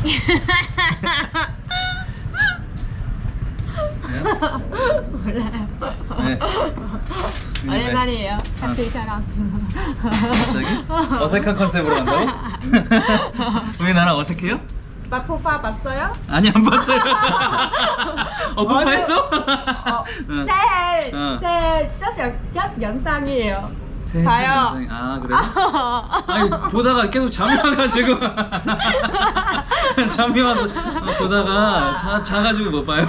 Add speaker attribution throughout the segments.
Speaker 1: 몰라요.
Speaker 2: 네.
Speaker 1: 오랜만이에요. 같이처럼.
Speaker 2: 갑자기? 어색한 컨셉으로 간다고? 왜 나랑 어색해요?
Speaker 1: 마포파 봤어요?
Speaker 2: 아니 안 봤어요. 폭파했어? 응.
Speaker 1: 새 첫 영상이에요.
Speaker 2: 새
Speaker 1: 봐요.
Speaker 2: 영상이. 아 그래요? 아니 보다가 계속 잠이 와가지고 잠이 와서 보다가 자가지고 못 봐요.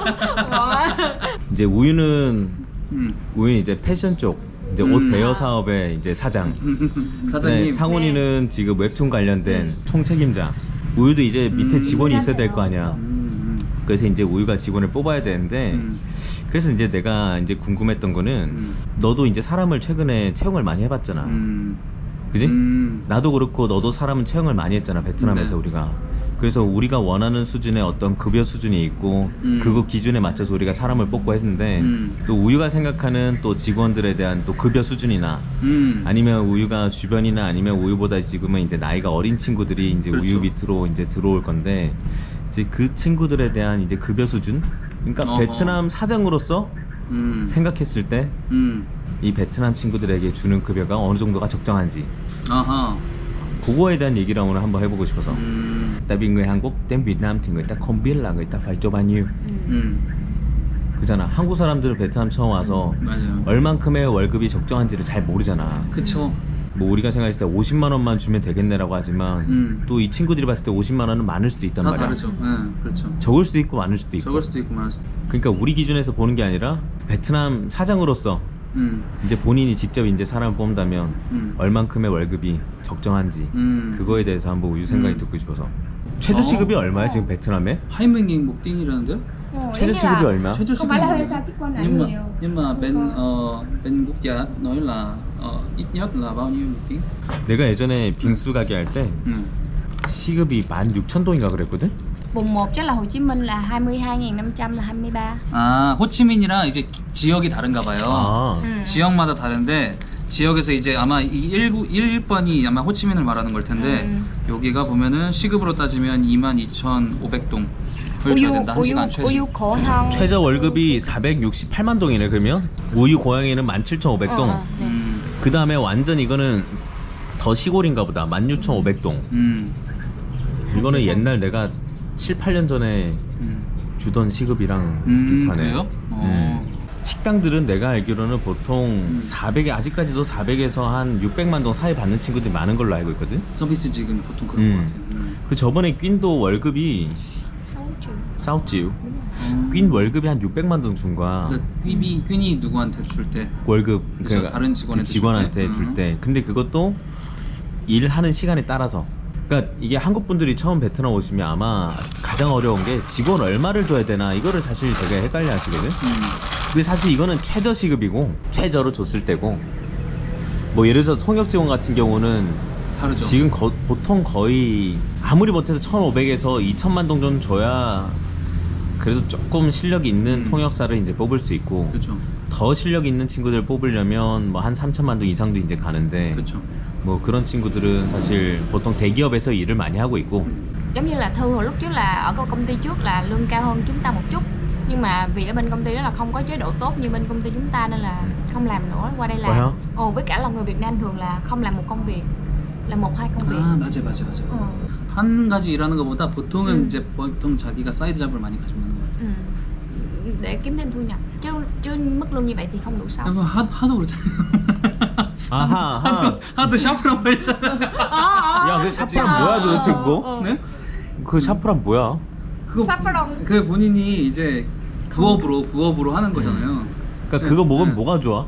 Speaker 3: 이제 우유는 이제 패션 쪽 이제 옷 대여 사업의 이제 사장.
Speaker 2: 사장님.
Speaker 3: 네, 상훈이는 지금 웹툰 관련된 총책임자. 우유도 이제 밑에 직원이 있어야 될 거 아니야. 그래서 이제 우유가 직원을 뽑아야 되는데 그래서 이제 내가 이제 궁금했던 거는 너도 이제 사람을 최근에 채용을 많이 해봤잖아. 그지? 나도 그렇고 너도 사람은 채용을 많이 했잖아, 베트남에서. 네. 우리가 그래서 우리가 원하는 수준의 어떤 급여 수준이 있고 그거 기준에 맞춰서 우리가 사람을 뽑고 했는데 또 우유가 생각하는 또 직원들에 대한 또 급여 수준이나 아니면 우유가 주변이나 아니면 우유보다 지금은 이제 나이가 어린 친구들이 이제 그렇죠. 우유 밑으로 이제 들어올 건데 이제 그 친구들에 대한 이제 급여 수준, 그러니까 어허. 베트남 사장으로서 생각했을 때 이 베트남 친구들에게 주는 급여가 어느 정도가 적정한지
Speaker 2: 아하.
Speaker 3: 그거에 대한 얘기를 오늘 한번 해보고 싶어서. Tại vì người Hàn Quốc đến Việt Nam thì người ta không biết là người ta phải cho bao nhiêu. 그잖아. 한국 사람들은 베트남 처음 와서
Speaker 2: 맞아요.
Speaker 3: 얼만큼의 월급이 적정한지를 잘 모르잖아.
Speaker 2: 그쵸.
Speaker 3: 뭐 우리가 생각했을 때 50만 원만 주면 되겠네라고 하지만 또 이 친구들이 봤을 때 50만 원은 많을 수도 있단
Speaker 2: 다
Speaker 3: 말이야.
Speaker 2: 다르죠. 네, 그렇죠.
Speaker 3: 적을 수도 있고 많을 수도 있고.
Speaker 2: 적을 수도 있고 많을 수도 있고.
Speaker 3: 그러니까 우리 기준에서 보는 게 아니라 베트남 사장으로서 이제 본인이 직접 이제 사람을 뽑는다면 얼만큼의 월급이 적정한지 그거에 대해서 한번 우유 생각이 듣고 싶어서. 최저 시급이 얼마야 지금 베트남에?
Speaker 2: 하이밍잉 목띵이라는데요?
Speaker 3: 최저 시급이 얼마?
Speaker 2: 최저
Speaker 1: Không
Speaker 2: 시급이
Speaker 1: phải là hơi xa chứ con lại nhiều.
Speaker 2: nhưng mà bên quốc gia nói là ít nhất là bao nhiêu một tiếng?
Speaker 3: 내가 예전에 빙수 가게 할 때 시급이 16,000동인가 그랬거든?
Speaker 1: Vùng 1 chắc là Hồ Chí Minh là 22.500 là 23.
Speaker 2: 아 호치민이랑 이제 지역이 다른가 봐요.
Speaker 3: 아.
Speaker 2: 지역마다 다른데 지역에서 이제 아마 이 1번이 아마 호치민을 말하는 걸 텐데 여기가 보면은 시급으로 따지면 22,500동 을 줘야 된다. 1시간 최소.
Speaker 1: 우유 고향.
Speaker 3: 최저 월급이 468만 동이네 그러면? 우유 고양이는 17,500동. 그 다음에 완전 이거는 더 시골인가 보다. 16,500동. 이거는 옛날 내가 7, 8년 전에 주던 시급이랑 비슷하네.
Speaker 2: 그래요?
Speaker 3: 식당들은 내가 알기로는 보통 400에 아직까지도 400에서 한 600만 동 사이 받는 친구들이 많은 걸로 알고 있거든.
Speaker 2: 서비스 지금 보통 그런 것 같아요.
Speaker 3: 그 저번에 퀸도 월급이 싸우지요. 퀸 월급이 한 600만 동 준 거야.
Speaker 2: 그러니까 퀸이 누구한테 줄 때?
Speaker 3: 월급
Speaker 2: 그러니까 다른 직원한테
Speaker 3: 그 직원한테 줄 때. 근데 그것도 일하는 시간에 따라서. 그러니까 이게 한국 분들이 처음 베트남 오시면 아마 가장 어려운 게 직원 얼마를 줘야 되나 이거를 사실 되게 헷갈려 하시거든. 근데 사실 이거는 최저 시급이고 최저로 줬을 때고 뭐 예를 들어서 통역 직원 같은 경우는
Speaker 2: 다르죠.
Speaker 3: 지금 보통 거의 아무리 못해도 1,500에서 2,000만 동 정도 줘야 그래도 조금 실력이 있는 통역사를 이제 뽑을 수 있고
Speaker 2: 그렇죠.
Speaker 3: 더 실력 있는 친구들 뽑으려면 뭐 한 3,000만 동 이상도 이제 가는데
Speaker 2: 그렇죠.
Speaker 3: 뭐 그런 친구들은 사실 보통 대기업에서 일을 많이 하고 있고.
Speaker 1: Giống như là Thư hồi lúc trước là ở công ty trước là lương cao hơn chúng ta một chút. Nhưng mà vì ở bên công ty đó là không có chế độ tốt như bên công ty chúng ta nên là không làm nữa, qua đây làm. Với cả là người Việt Nam thường là không làm một công việc, là 1-2 công việc.
Speaker 2: 아 맞아. 한 가지 일하는 것보다 보통은 이제 보통 자기가 사이드 잡을 많이 가지고 있는 것 같아요.
Speaker 1: Để kiếm thêm thu nhập. Chứ mức lương như vậy thì không đủ sống.
Speaker 2: 하도 그렇잖아요. 하도 샤프라고 했잖아.
Speaker 3: 야, 그 샤프란 뭐야 도대체 그거?
Speaker 2: 네?
Speaker 3: 그 샤프란 뭐야?
Speaker 1: 샤프랑.
Speaker 2: 그 본인이 이제 부업으로 하는 거잖아요.
Speaker 3: 그러니까 그거 먹으면 뭐가 좋아?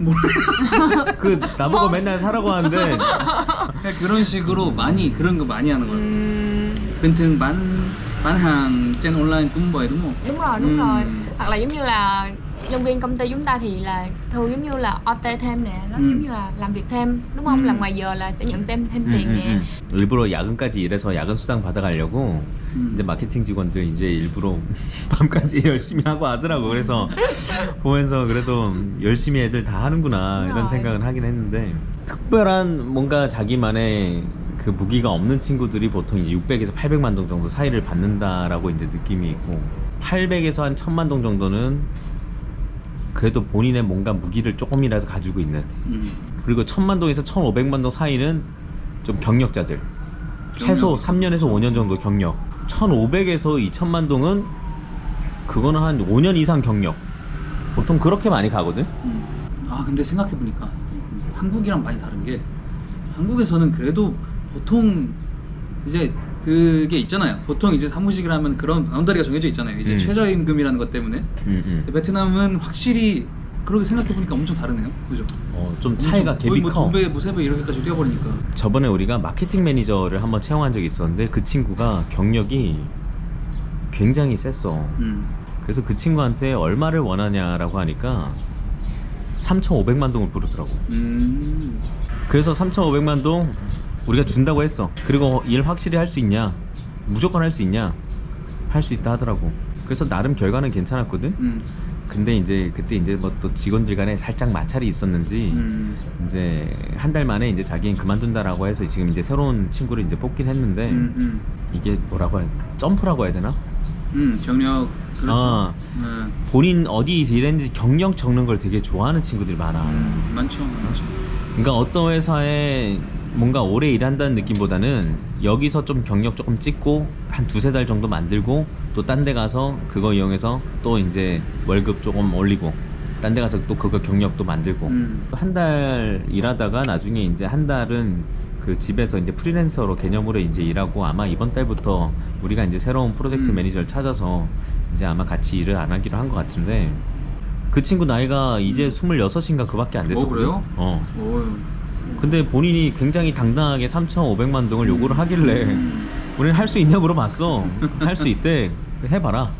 Speaker 3: 그 나보고 맨날 사라고 하는데
Speaker 2: 그런 식으로 그런 거 많이 하는 것 같아요. bình thường bán hàng trên online cũng vậy đúng không?
Speaker 1: Đúng rồi. Hoặc là giống như là nhân viên công ty chúng ta thì là thường giống như là OT thêm nè, nó giống như là làm việc thêm, đúng không? Làm ngoài giờ là sẽ nhận thêm tiền nè.
Speaker 3: 일부러 야근까지 일해서 야근 수당 받아가려고 이제 마케팅 직원들 이제 일부러 밤까지 열심히 하고 하더라고. 그래서 보면서 그래도 열심히 애들 다 하는구나 이런 생각은 하긴 했는데 특별한 뭔가 자기만의 그 무기가 없는 친구들이 보통 이제 600에서 800만 동 정도 사이를 받는다라고 이제 느낌이 있고 800에서 한 1000만 동 정도는 그래도 본인의 뭔가 무기를 조금이라도 가지고 있는 그리고 1000만 동에서 1500만 동 사이는 좀 경력자들 최소 3년에서 5년 정도 경력 1500에서 2000만 동은 그거는 한 5년 이상 경력 보통 그렇게 많이 가거든.
Speaker 2: 아 근데 생각해보니까 한국이랑 많이 다른 게 한국에서는 그래도 보통 이제 그게 있잖아요. 보통 이제 사무직을 하면 그런 바운더리가 정해져 있잖아요. 이제 최저임금이라는 것 때문에. 근데 베트남은 확실히 그렇게 생각해보니까 엄청 다르네요. 그죠?
Speaker 3: 좀 차이가 갭이 커.
Speaker 2: 거의 뭐 2배, 뭐 3배 이렇게까지 뛰어버리니까.
Speaker 3: 저번에 우리가 마케팅 매니저를 한번 채용한 적이 있었는데 그 친구가 경력이 굉장히 셌어. 그래서 그 친구한테 얼마를 원하냐라고 하니까 3,500만 동을 부르더라고. 그래서 3,500만 동 우리가 준다고 했어. 그리고 일 확실히 할 수 있냐? 무조건 할 수 있냐? 할 수 있다 하더라고. 그래서 나름 결과는 괜찮았거든. 근데 이제 그때 이제 뭐 또 직원들 간에 살짝 마찰이 있었는지 이제 한 달 만에 이제 자기는 그만둔다라고 해서 지금 이제 새로운 친구를 이제 뽑긴 했는데 이게 뭐라고 해야 점프라고 해야 되나?
Speaker 2: 경력 그렇죠.
Speaker 3: 본인 어디 일했는지 경력 적는 걸 되게 좋아하는 친구들이 많아.
Speaker 2: 많죠.
Speaker 3: 그러니까 어떤 회사에 뭔가 오래 일한다는 느낌보다는 여기서 좀 경력 조금 찍고 한 2-3달 정도 만들고 또 딴 데 가서 그거 이용해서 또 이제 월급 조금 올리고 딴 데 가서 또 그거 경력도 만들고 한 달 일하다가 나중에 이제 한 달은 그 집에서 이제 프리랜서로 개념으로 이제 일하고 아마 이번 달부터 우리가 이제 새로운 프로젝트 매니저를 찾아서 이제 아마 같이 일을 안 하기로 한 것 같은데 그 친구 나이가 이제 26인가 그밖에 안 됐어.
Speaker 2: 그래요?
Speaker 3: 근데 본인이 굉장히 당당하게 3,500만 동을 요구를 하길래 우리는 할 수 있냐 물어봤어. 할 수 있대. 해봐라.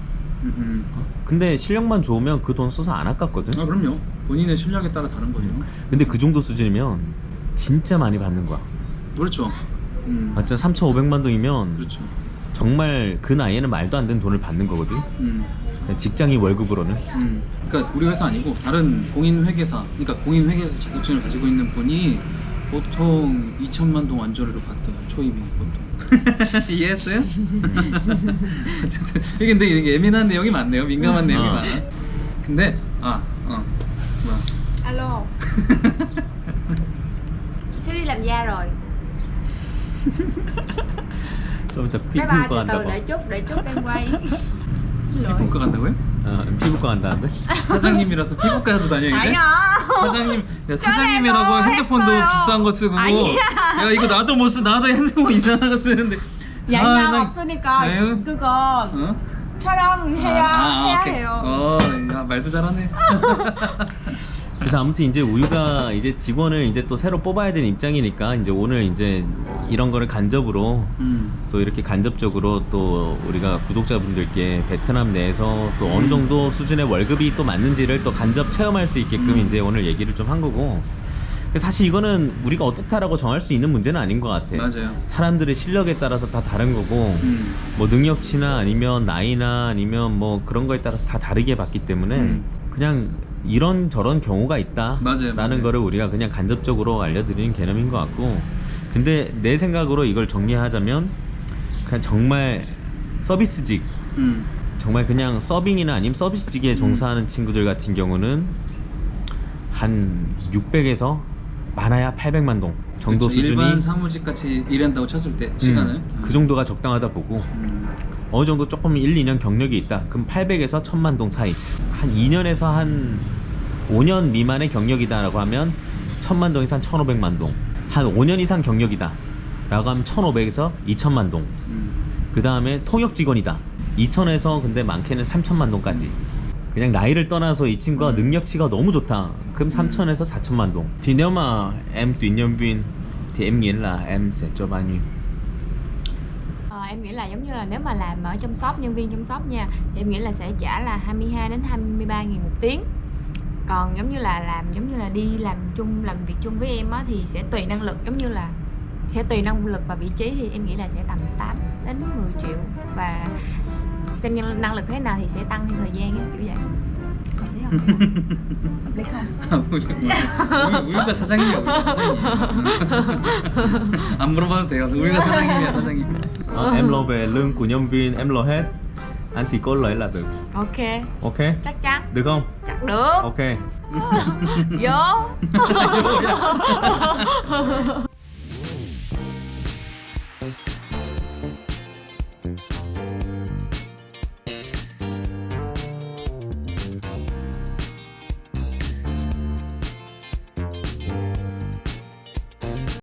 Speaker 3: 근데 실력만 좋으면 그 돈 써서 안 아깝거든.
Speaker 2: 그럼요. 본인의 실력에 따라 다른 거죠.
Speaker 3: 근데 그 정도 수준이면 진짜 많이 받는 거야.
Speaker 2: 그렇죠.
Speaker 3: 맞죠? 3,500만 동이면
Speaker 2: 그렇죠.
Speaker 3: 정말 그 나이에는 말도 안 되는 돈을 받는 거거든. 그냥 직장인 월급으로는.
Speaker 2: 그러니까 우리 회사 아니고 다른 공인회계사, 그러니까 공인회계사 자격증을 가지고 있는 분이 보통 2천만 동 완전으로 받대요. 초임이 보통. 이해했어요? 어쨌든 근데 이게 예민한 내용이 많네요. 민감한 내용이 많아. 근데 뭐야?
Speaker 1: Alo. Sếp đi làm da rồi.
Speaker 3: 좀 이따
Speaker 1: Bye bye,
Speaker 3: 피부과
Speaker 1: từ từ
Speaker 3: 간다고.
Speaker 1: để chút đang quay. Xin lỗi.
Speaker 2: 피부과 간다고요?
Speaker 3: 피부과 간다는데?
Speaker 2: 사장님이라서 피부과도 다녀 이제?
Speaker 1: 아니야.
Speaker 2: 사장님, 야, 사장님이라고
Speaker 1: 전에도
Speaker 2: 핸드폰도
Speaker 1: 했어요.
Speaker 2: 비싼 거 쓰고
Speaker 1: 아니야.
Speaker 2: 야 이거 나도 못 써. 나도 핸드폰 이상한 거 쓰는데
Speaker 1: Dạy nhau 없으니까
Speaker 2: 아유.
Speaker 1: 그거
Speaker 2: 어?
Speaker 1: 촬영해야
Speaker 2: 오케이.
Speaker 1: 해요.
Speaker 2: 야, 말도 잘하네.
Speaker 3: 그래서 아무튼 이제 우유가 이제 직원을 이제 또 새로 뽑아야 되는 입장이니까 이제 오늘 이제 이런 거를 간접으로 또 이렇게 간접적으로 또 우리가 구독자분들께 베트남 내에서 또 어느 정도 수준의 월급이 또 맞는지를 또 간접 체험할 수 있게끔 이제 오늘 얘기를 좀 한 거고 사실 이거는 우리가 어떻다라고 정할 수 있는 문제는 아닌 것 같아.
Speaker 2: 맞아요.
Speaker 3: 사람들의 실력에 따라서 다 다른 거고 뭐 능력치나 아니면 나이나 아니면 뭐 그런 거에 따라서 다 다르게 봤기 때문에 그냥 이런 저런 경우가 있다 라는 거를 우리가 그냥 간접적으로 알려드리는 개념인 것 같고 근데 내 생각으로 이걸 정리하자면 그냥 정말 서비스직 정말 그냥 서빙이나 아니면 서비스직에 종사하는 친구들 같은 경우는 한 600에서 많아야 800만 동 정도
Speaker 2: 그렇죠.
Speaker 3: 수준이
Speaker 2: 일반 사무직 같이 일한다고 쳤을 때 시간을
Speaker 3: 그 정도가 적당하다 보고 어느 정도 조금 1-2년 경력이 있다 그럼 800에서 1000만 동 사이 한 2년에서 한 5년 미만의 경력이다 라고 하면 1000만 동에서 한 1500만 동 한 5년 이상 경력이다 라고 하면 1500에서 2000만 동 그 다음에 통역 직원이다 2000에서 근데 많게는 3000만 동까지 그냥 나이를 떠나서 이 친구가 능력치가 너무 좋다 그럼 3000에서 4000만 đồng thì nếu mà em tuyển nhân viên thì em nghĩ là em sẽ cho bao nhiêu?
Speaker 1: Em nghĩ là giống như là nếu mà làm ở trong shop, nhân viên trong shop nha thì em nghĩ là sẽ trả là 22 đến 23 nghìn một tiếng. Còn giống như là làm giống như là đi làm việc chung với em á thì sẽ tùy năng lực, giống như là sẽ tùy năng lực và vị trí thì em nghĩ là sẽ tầm 8 đến 10 triệu và xem năng lực thế nào thì sẽ tăng theo thời gian á, kiểu vậy. Hợp lý không?
Speaker 2: 우유가 사장이야. 우유가 사장이야. 안 물어봐도 돼요. 우유가 사장님이야 사장님.
Speaker 3: Em lo về lương của nhân viên, em lo hết. Anh chỉ có lấy là được.
Speaker 1: Ok,
Speaker 3: Ok,
Speaker 1: chắc chắn.
Speaker 3: được không?
Speaker 1: Chắc được.
Speaker 3: Ok.
Speaker 1: Vô.